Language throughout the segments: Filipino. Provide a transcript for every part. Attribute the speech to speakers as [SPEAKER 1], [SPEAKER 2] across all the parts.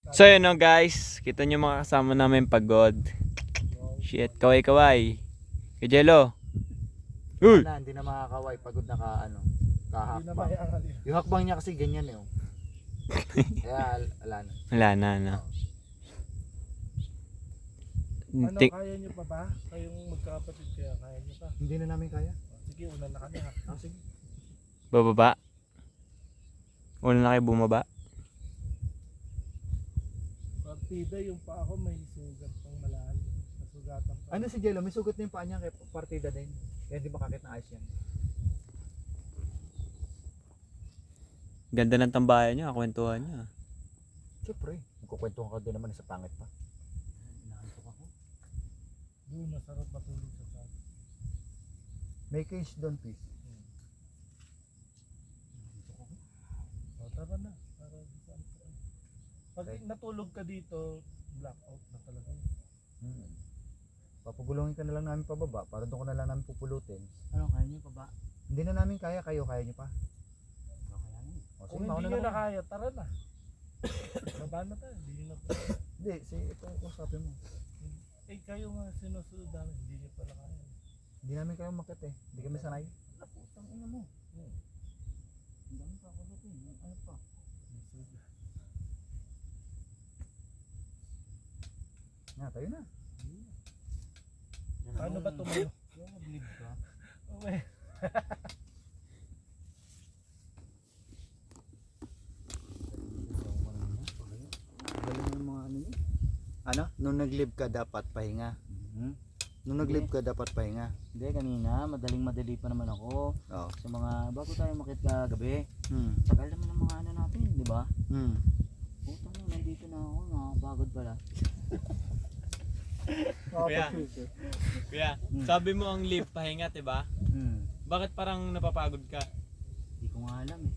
[SPEAKER 1] So yun no guys, kita nyo mga kasama namin pagod. Shit, kaway-kaway. Kajelo. Uy!
[SPEAKER 2] Hindi na makakaway, pagod na ka,
[SPEAKER 3] Hindi na
[SPEAKER 2] kahakbang.
[SPEAKER 3] maiangal yun.
[SPEAKER 2] Yung hakbang niya kasi ganyan eh. Oh. Kaya ala na.
[SPEAKER 1] Wala na, no.
[SPEAKER 3] Ano,
[SPEAKER 1] Tik-
[SPEAKER 3] kaya nyo pa ba? Kayong magkakapatid kaya nyo pa?
[SPEAKER 2] Hindi na namin kaya.
[SPEAKER 3] Sige, una na kami ha.
[SPEAKER 2] Sige.
[SPEAKER 1] Bababa. Una na kayo bumaba.
[SPEAKER 3] Partida yung pa ako may sugat pang malalim. Nasugatan pa.
[SPEAKER 2] Ano si Jello, may sugat na yung paa niya kay partida din. Kaya hindi makakit na ayos yan.
[SPEAKER 1] Ganda ng tambayan niya, kwentuhan niya.
[SPEAKER 2] Siyempre, magkukwentuhan ka din naman sa pangit pa. Inaantok ako.
[SPEAKER 3] Doon, masarap matulog sa sala.
[SPEAKER 2] May case doon, please.
[SPEAKER 3] O, tara na. Para di saan ka. Pag
[SPEAKER 2] Okay.
[SPEAKER 3] natulog ka dito, blackout na talaga yun.
[SPEAKER 2] Papagulungin ka na lang namin pababa para doon ko na lang namin pupulutin.
[SPEAKER 4] Ano, kaya nyo pa ba?
[SPEAKER 2] Hindi na namin kaya, kaya nyo pa.
[SPEAKER 4] Kaya nyo.
[SPEAKER 2] O,
[SPEAKER 3] Kung
[SPEAKER 2] sige, mauna
[SPEAKER 3] hindi nyo
[SPEAKER 2] na
[SPEAKER 3] na
[SPEAKER 2] kami.
[SPEAKER 3] kaya, tara na. Baba na tayo. Hindi nyo na pa.
[SPEAKER 2] Hindi, ito usapin mo.
[SPEAKER 3] Eh, kayo nga sinusunod namin. Hindi nyo pala kaya.
[SPEAKER 2] Hindi namin kayo makit eh. Hindi kami sanay.
[SPEAKER 4] Putang ina mo. Ang dami pa ako dito. Ano pa?
[SPEAKER 3] May sugat.
[SPEAKER 2] Nga, tayo na.
[SPEAKER 3] Paano ba tumayo?
[SPEAKER 4] Yung mag-live ka.
[SPEAKER 3] Okay.
[SPEAKER 2] Galing yung mga ano yun. Ano? Nung nag-live ka dapat pahinga. Nung nag-live ka dapat pahinga.
[SPEAKER 4] Hindi, kanina, madali pa naman ako.
[SPEAKER 2] Oo.
[SPEAKER 4] Sa mga, bago tayo makit kagabi.
[SPEAKER 2] Hmm.
[SPEAKER 4] Tagal naman ng mga ano natin, di ba?
[SPEAKER 2] Hmm.
[SPEAKER 4] Putang ina, nandito na ako. Nakakapagod pala.
[SPEAKER 1] Kuya, kuya, sabi mo ang live pahinga, diba? Bakit parang napapagod ka?
[SPEAKER 4] Hindi ko nga alam eh.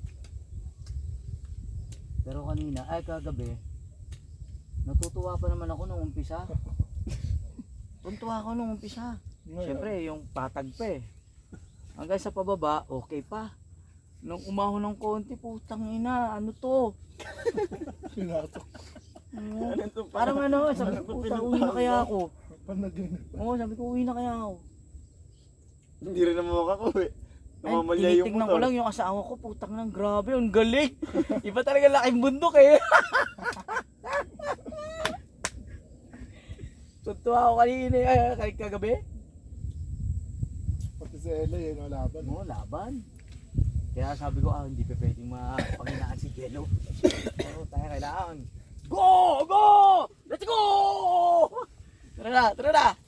[SPEAKER 4] Pero kanina, ay kagabi, natutuwa pa naman ako nung umpisa. Tuntua ako nung umpisa. Siyempre, yung patag pa eh. Hanggang sa pababa, okay pa. Nung umahon ng konti, putang ina, ano to?
[SPEAKER 3] Sinatok.
[SPEAKER 4] Parang ano, sabi ko, putang uwi na kaya ako.
[SPEAKER 3] Panaginip.
[SPEAKER 4] Oo, sabi ko, uwi na kaya ako.
[SPEAKER 2] Hindi rin naman makakauwi.
[SPEAKER 4] Ay, tinitignan ko lang yung asawa ko, putang nang grabe, ang galing. Iba talaga laking bundok eh. Tuntua ako kanina, kahit kagabi.
[SPEAKER 3] Pati si Ella yun, laban.
[SPEAKER 4] Oo, laban. Kaya sabi ko, hindi pa pwedeng mapanghinaan si Jello. Oo, tayo kailangan. Go! Go! Let's go! Tara na, tara na!